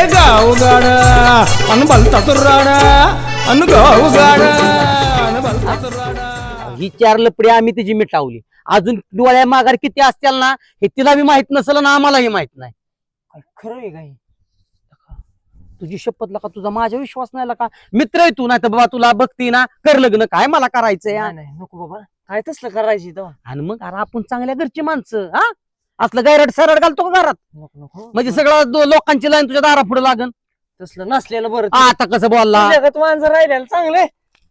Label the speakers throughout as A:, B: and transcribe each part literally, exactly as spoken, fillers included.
A: गावगाड अन भलताच राडा अन गावगाड अन भलताच राडा.
B: ही चार लपडी आम्ही तिची मिटावली. अजून डोळ्या माघार किती असतील ना हे तिला बी माहित नसेल ना आम्हालाही माहित नाही.
C: खरं आहे काय?
B: तुझी शपथ लका तुझा माझ्या विश्वास नाही लका. मित्र आहे तू नाही तर बाबा तुला बघती ना कर लग्न काय मला करायचंय.
C: नाही नाही, नको बाबा, काय तसलं करायची तेव्हा.
B: आणि मग अरे आपण चांगल्या घरची माणसं हा असलं गैरट सरड घालतो का घरात
C: नको नको,
B: म्हणजे सगळं दो- लोकांची लाईन तुझ्या दारा पुढे लागन.
C: तसलं नसलेलं बरं.
B: आता कसं बोलला
C: जगात माणसं राहिलेलं चांगले.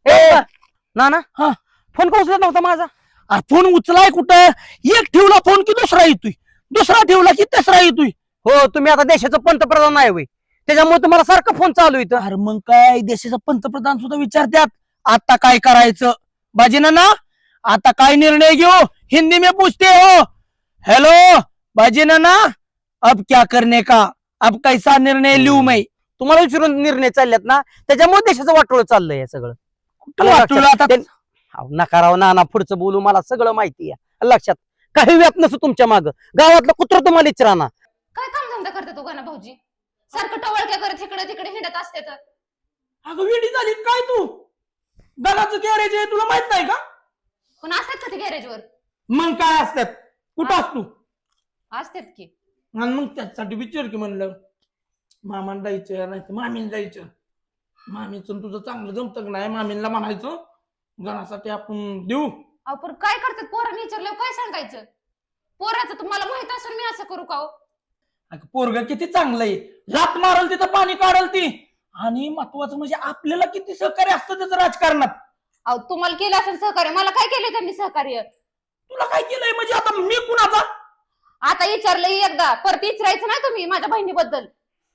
B: ना ना
C: हा.
B: फोन का उचलत नव्हता माझा.
C: अरे फोन उचलाय कुठं? एक ठेवला फोन की दुसरा येतोय, दुसरा ठेवला की तिसरा येतोय.
B: हो तुम्ही आता देशाचं पंतप्रधान आहे होय त्याच्यामुळे तुम्हाला सारखं फोन चालू इथं.
C: अरे मग काय देशाचा पंतप्रधान सुद्धा विचारतात आता काय करायचं. बाजीना ना आता काय निर्णय घेऊ? हिंदी में पूछते हो. हेलो बाजीना ना अब क्या करने का, अब कैसा निर्णय लिहू मैं?
B: तुम्हाला विचारून निर्णय चालल्यात ना त्याच्यामुळे देशाचं वाटोळ चाललंय हे सगळं.
C: वाटोळं आता?
B: ते- अहो, नका राव नाना पुढचं बोलू मला सगळं माहिती आहे लक्षात. काही व्याप नसतो तुमच्या माग गावातलं कुत्र तुम्हाला विचाराना.
D: काय काम धंदा करते तू गाना भाऊजी? सारखं टवळक्या करत इकडे तिकडे हिंडत असते तर.
C: अगं वेडी झाली काय तू? गणाचं गॅरेज आहे तुला माहित नाही का?
D: पण असतात का ते गॅरेजवर?
C: मग काय असतात? कुठं असतो?
D: असतात की.
C: आणि मग त्यासाठी विचार की म्हणलं मामान जायचं नाही तर मामीन जायचं. मामीचं तुझं चांगलं जमतं नाही मामींना म्हणायचं गणासाठी आपण देऊ.
D: अहो पण काय करतात पोरांनी विचारल्यावर काय सांगायचं? पोराचं तुम्हाला माहित असून मी असं करू का हो?
C: अगं पोरग किती चांगलं आहे, लात मारल तिथं पाणी काढल ती. आणि महत्वाचं म्हणजे आपल्याला किती सहकार्य असतं त्याचं राजकारणात.
D: अहो तुम्हाला केलं असेल सहकार्य, मला काय केलं त्यांनी सहकार्य?
C: तुला काय केलंय म्हणजे आता मी कुणाचा?
D: आता विचारलं एकदा परत विचारायचं नाही तुम्ही माझ्या बहिणीबद्दल.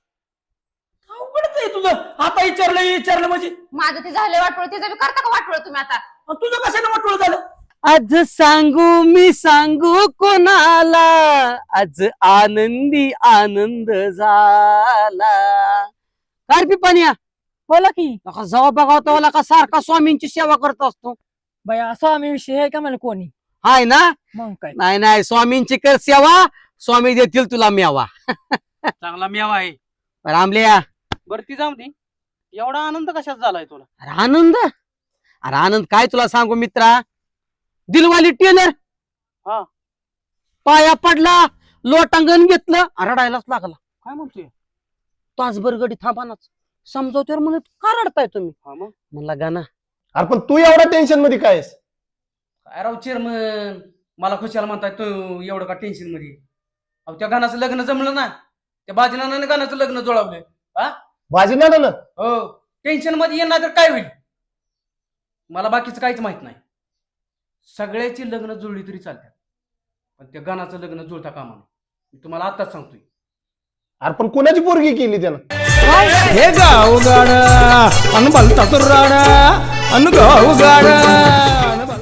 C: अवघडच आहे तुझं. आता विचारलं विचारलं म्हणजे
D: माझं ते झालं वाटवळ, तिचं बी करता का वाटवळ तुम्ही आता?
C: अन तुझं कशाने वाटवलं झालं?
B: आज सांगू मी सांगू कोणाला आज आनंदी आनंद झाला. काय रे पानिया
E: बोला की
B: नका जावा बघाव तेव्हा का सारखा स्वामींची सेवा करत असतो.
E: बाया स्वामी विषय आहे का मला कोणी?
B: हाय ना?
E: मग काय
B: नाही नाही स्वामींची कर सेवा स्वामी देतील तुला मेवा.
F: चांगला मेवा आहे.
B: रामलिया
F: बरं ती जाऊ दे. एवढा आनंद कशात झालाय तुला?
B: अरे आनंद अरे आनंद काय तुला सांगू मित्रा. दिलवाली टेलर
F: हा.
B: पाया पडला लोटांगण घेतलं रडायलाच लागला.
F: काय म्हणतोय?
B: तासभर गडी थांबानाच समजवत्यावर म्हणत का रडताय तुम्ही?
F: हा मग
B: म्हणला गाना
A: अरे पण तू एवढ्या टेन्शन मध्ये काय आहेस?
F: काय राव चेअरमन मला खुशाला म्हणताय तू एवढं का टेन्शन मध्ये? अहो त्या गाण्याचं लग्न जमलं ना, त्या बाजीनानाने गाण्याचं लग्न जुळवलंय. हा
A: बाजी ना ना
F: हो टेन्शन मध्ये येणार तर काय होईल? मला बाकीचं काहीच माहित नाही. सगळ्याची लग्न जुळली तरी चालतात पण त्या गाण्याचं लग्न जुळता कामा नये. मी तुम्हाला आताच सांगतोय.
A: अरे पण कुणाची पोरगी केली त्यानं? हे गावगाड अन भलताच राडा अन गावगाड